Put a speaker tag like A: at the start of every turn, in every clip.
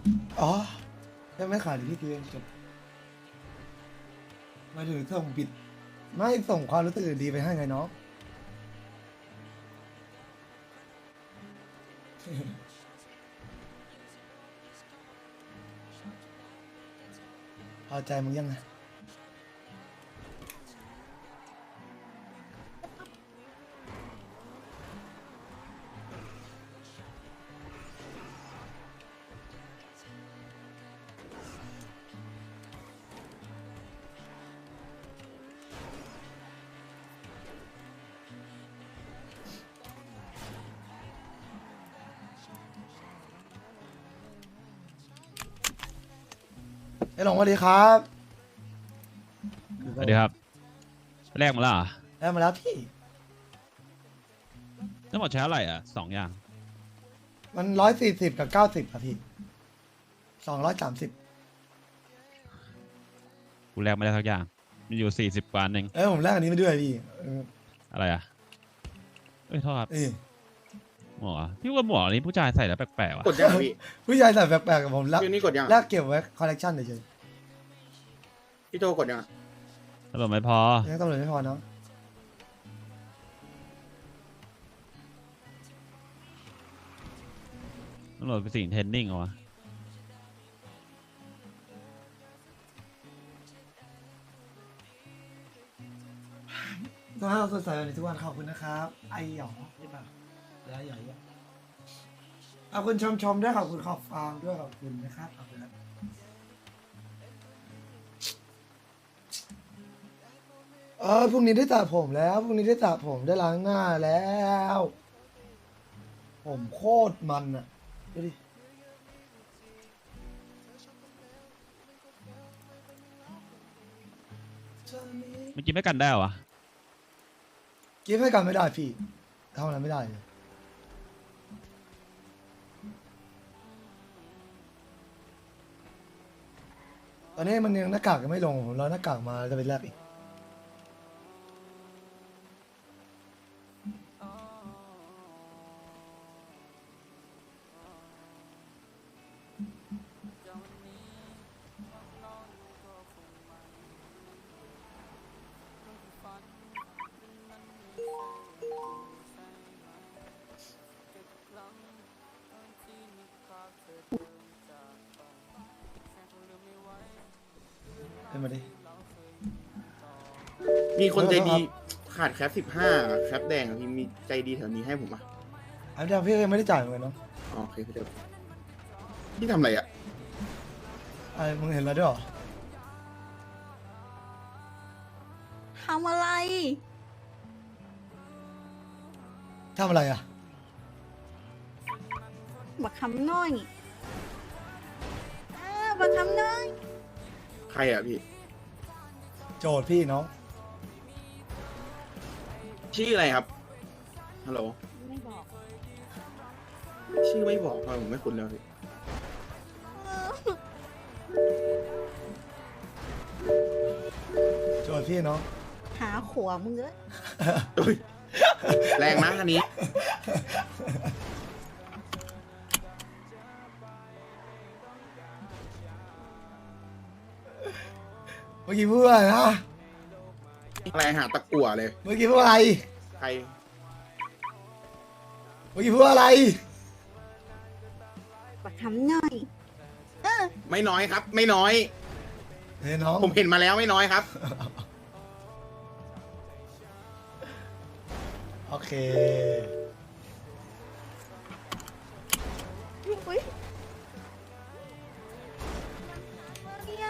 A: อ๋อแค่ไม่ขายที่ตัวเองจบหมายถึงส่งผิดไม่ส่งความรู้สึกดีไปให้ไงน้อง พอใจมึงยังไงไอ้หลงสวัสดีครับ
B: สวัสดีครับแรกมาแล้วเหรอ
A: ได้มาแล้วพี่
B: ทั้งหมดใช้เท่าไหร่อ่ะ2 อย่าง
A: มัน140กับ90ครับพี่230
B: กูแรกไม่ได้ทักอย่างมีอยู่40 กว่าเอง
A: ผมแลกอันนี้มาด้วยพี่
B: อะไรอ่ะเอ้ยโทษครับ
A: นี่
B: หมวกพี่ว่าหมวกนี้ผู้ชายใส่แล้วแปลกๆว่ะ
C: กดยังอะพี่
A: ผู้ชายใส่แปลกๆกับผมแลก
C: พี่นี่กดยัง
A: แล
C: อะ
A: กเก็บไว้คอลเลกชันเฉย
C: พี่โจกดยังอะ
B: ตำรวจไม่พอ
A: ๆยังตำรวจไม่พอเนาะ
B: ตำรวจไปสิ่งเทรนนิ่งเหรอวะ
A: ต้องให้เราสดใสแบบนี้ทุกวันขอบคุณนะครับไอหยองใช่ป่ะแล้วหยองขอบคุณชมด้วยขอบคุณขอบฟังด้วยขอบคุณนะครับขอบคุณครับพรุ่งนี้ได้สระผมแล้วพรุ่งนี้ได้สระผมได้ล้างหน้าแล้ว ผมโคตรมันอ่ะดูดิ
B: เมื่อกี้ไม่กันได้เหรอวะ
A: กิฟให้กันไม่ได้พี่ทำอะไรไม่ได้เลยตอนนี้มันยังหน้ากากยังไม่ลงผมรอหน้ากากมาจะไปแลกอีกเป็นมาดิ
C: มีคนใจดี
A: ครับ
C: ขาดแคป15แคปแดงอะพี่มีใจดีแถวนี้ให้ผมอ่ะ
A: อันนี้พี่ยังไม่ได้จ่ายเหมือนกันเนาะ
C: อ๋อโอเคพี่เดี๋ยวพี่ทำอะไรอ่ะ
A: ไอ้มึงเห็นแล้วด้วยเหรอ
D: ทำอะไร
A: ทำอะไรอ่ะ
D: บักคำน้อยบักคำน้อย
C: ใครอ่ะพี่
A: โจทย์พี่เนาะ
C: ชื่ออะไรครับฮัลโหล
D: ไม่บอก
C: ชื่อไม่บอกทำไมผมไม่คุ้นแล้วพี่
A: โจทย์พี่เนาะ
D: หาขวมึงเลย
C: อุ๊ยแรงนะอันนี้
A: เมื่อกี้พูดอะไรนะ
C: อะไรหาตะกั่วเลย
A: เมื่อกี้พูดอะไร
C: ใคร
A: เมื่อกี้พูดอะไร
D: บักคำน้อย
C: ไม่น้อยครับ ไม่น้อย
A: เฮ้ยน้อง
C: ผมเห็นมาแล้วไม่น้อยครับ
A: โอเค
D: อุ้ยเนี่ย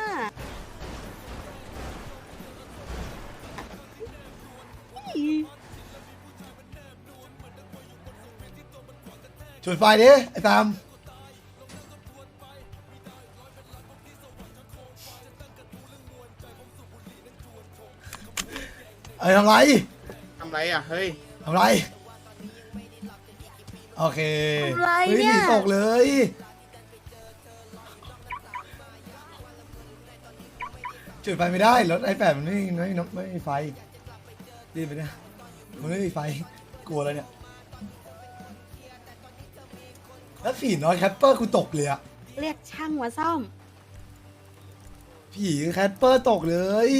A: จุดไฟดิไอ้ตามไอ้ทำไร
C: ทำไรอ่ะ เฮ้ย
A: ทำไร โอเค
D: ทำไร
A: ฮ้
D: เนี่ย
A: หตกเลย จุดไฟไม่ได้รถi8มันไม่มีไฟรีบไปเนี่ยมันไม่มีไฟกลัวแล้วเนี่ยแล้วฝีน้อยแคปเปอร์กูตกเลยอะ
D: เรียกช่างมาซ่อม
A: ผีแคทเปอร์ตกเลย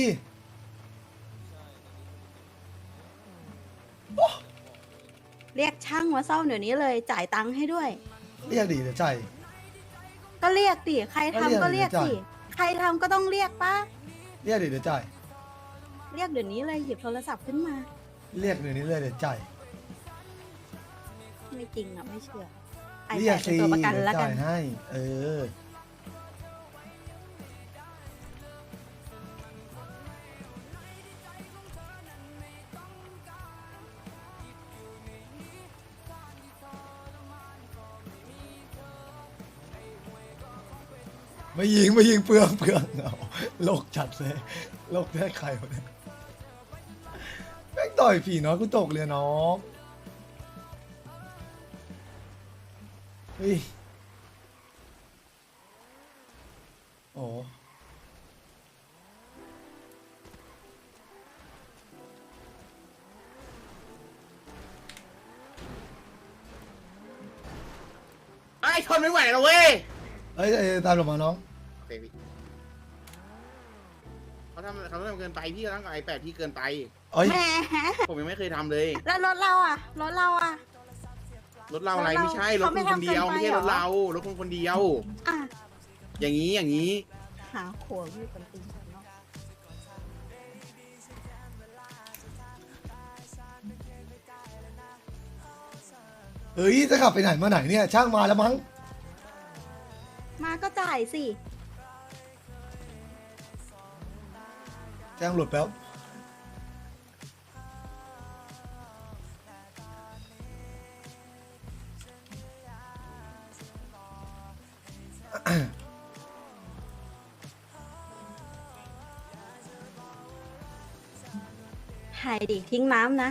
D: เรียกช่างมาซ่อมเดี๋ยวนี้เลยจ่ายตังค์ให้ด้วย
A: เรียกดิเดี๋ยวใจาย
D: ก็เรียกดิใครทำก็เรียก
A: ก็เรียก
D: สิใครทำก็ต้องเรียกปะ
A: เรียกดิเดี๋ยวจ่าย
D: เรียกเดี๋ยวนี้เลยหยิบโทรศัพท์ขึ้นมา
A: เรียกเดี๋ยวนี้เลยเดี๋ยวจ่าย
D: ไม่จริงอ่ะไม่เชื่อไอ
A: เรีย
D: แป
A: ก
D: ดเป็น
A: สิ
D: ตัวประกัน
A: เดี๋ยว
D: แล้วกั
A: จ่าน ยให้ เออ ไม่ยิงเปลืองเอาโลกจัดเลยโลกได้ใครวะเนี่ยแม่งต่อยผีน้อยกูตกเลยน้องเฮ้ยโอ้
C: ไอ้ทนไม่ไหวแล้วเว้ย
A: เอ้ยตามหลบมาน้อง
C: โอเคพี่เขาทำเกินไปพี่ร่างกับiPadพี่เกินไป
A: เอ้ย
D: แหม
C: ผมยังไม่เคยทำเลย
D: แล้วรถเราอ่ะรถเราอ่ะ
C: รถเราอะไร
D: รถเรา
C: ไม่ใช่รถคนคนเดียว
D: เขาไม่
C: ไม่ใช่
D: ทำเกินไป
C: รถ
D: เหรอ
C: เรารถคนคนเดียว
D: อ่ะ
C: อย่างนี้
D: หาขวดอยู่กันตีกันเนาะ
A: เฮ้ยจะขับไปไหนมาไหนเนี่ยช่างมาแล้วมั้ง
D: มาก็จ่ายสิ
A: แจ้งหลุดแป๊บ
D: หายดิทิ้งน้ำนะ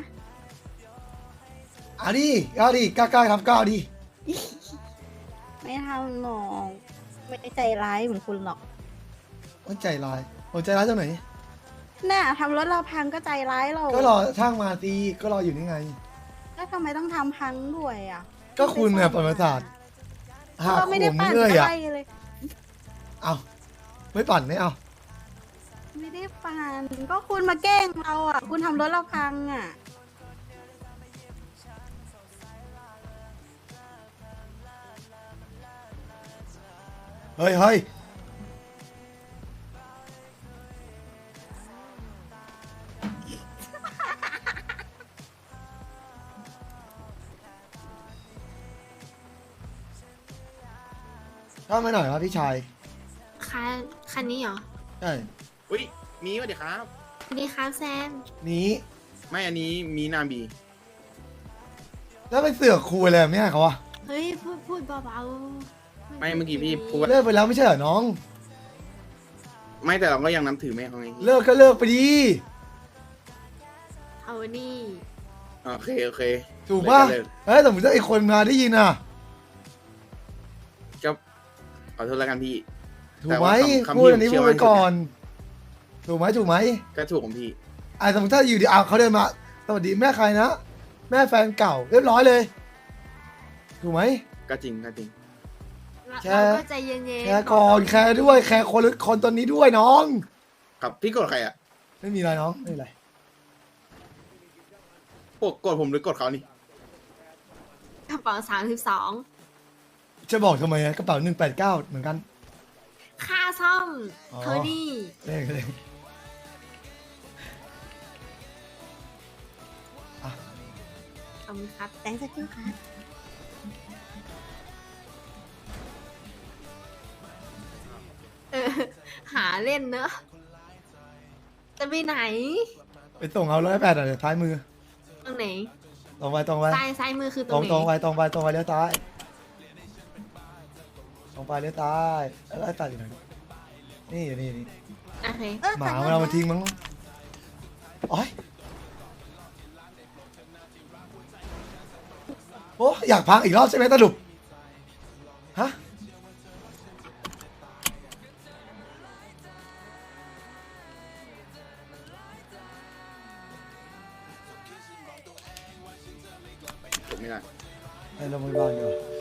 A: เอาดิกล้าทำก้าวดิ
D: ไม่ทำหรอกไม่ได้ใจร้ายเหมือนคุณหรอก
A: มันใจร้ายผมใจร้ายจังไหน
D: น่ะทำรถเราพังก็ใจร้ายเรา
A: ก็รอช่างมาตีก็รออยู่นี่ไง
D: แล้วทำไมต้องทำพังด้วยอ่ะ
A: ก็คุณเนี่ยปรมาศาสตร์หาก
D: ก็ไม่ได้
A: ผม
D: ปั่น
A: เอ้ย
D: อะ
A: อ่ะ
D: ไรเลย
A: เอาไม่ปั่นไม่เอา
D: ไม่ได้ปั่นก็คุณมาแกล้งเราอ่ะ คุณทำรถเราพังอ่ะ
A: เฮ้ยเข้ามาหน่อยครับพี่ชาย
E: คันนี้เหรอ
A: ใช่
C: อุ้ยมีวะเดี๋ยวครับ
E: นี่ครับแซม
A: นี้
C: ไม่อันนี้มีนาบี
A: แล้วไปเสือกคุยอะไรแบบเนี้ยเขาวะ
E: เฮ้ย พูดเบาๆ
C: ไม่เมื่อกี้พี่พูดว่า
A: เลิกไปแล้วไม่ใช่เหรอน้อง
C: ไม่แต่เราก็ยังนับถือแม่เขาไง
A: เลิกก็เลิกไปดี
E: เอานี่
C: โอเค
A: ถูกป่ะ
C: เลิก
A: เอ้ยสมมติถ้าไอ้คนมาได้ยินอ่ะ
C: ก็ขอโทษแล้วกันพี่
A: ถูกไหม
C: แต่ว่าคำ
A: พูดอันนี้
C: ที่
A: พู
C: ผม
A: ด
C: เชื่อมั่น
A: ไว้ก่อน ถูกไหม
C: ก็ถูกของพี่
A: สมมติถ้าอยู่ดีเขาเดินมาสวัสดีแม่ใครนะ แม่แฟนเก่าเรียบร้อยเลย ถูกไหม
C: ก็จริง
A: แค่
E: เราก็ใจเย็นๆ
A: แคร์ก่อนแคร์ด้วยแคร์คนตอนนี้ด้วยน้อง
C: ครับพี่กดใครอ่ะ
A: ไม่มีอะไรน้องไม่มีอะไร
C: กดผมหรือกดเขานี่
E: กระเป๋า32
A: จะบอกทำไมอะกระเป๋า189เหมือนกัน
E: ค่าซ่อม
A: อ๋อ
E: โทนี่
A: เลข
E: ขอบคุณครับ
D: แตงสักครู่ค่ะ
E: เออ หาเล่นเนอะ จะไปไหน
A: ไปส่งเอา108อ่ะเดี๋ยวท้ายมือ
E: ตรงไหน
A: ตรงไป
E: ซ้ายมือคือต
A: ต
E: ร
A: รง ง
E: ไหน
A: ตรงไปเลี้ยวซ้ายตรงไปเลี้ยวซ้ายแล้วไอ้ตัดอยู่ไหนนี่อยู่นี่
E: โอเค
A: หมามันเอามาทิ้งมั้งโอ๊ยโอ้อยากพักอีกรอบใช่ไหมตาดุบฮะ
C: จบไม่ได้
A: ไปโรงพยาบาลดีกว่า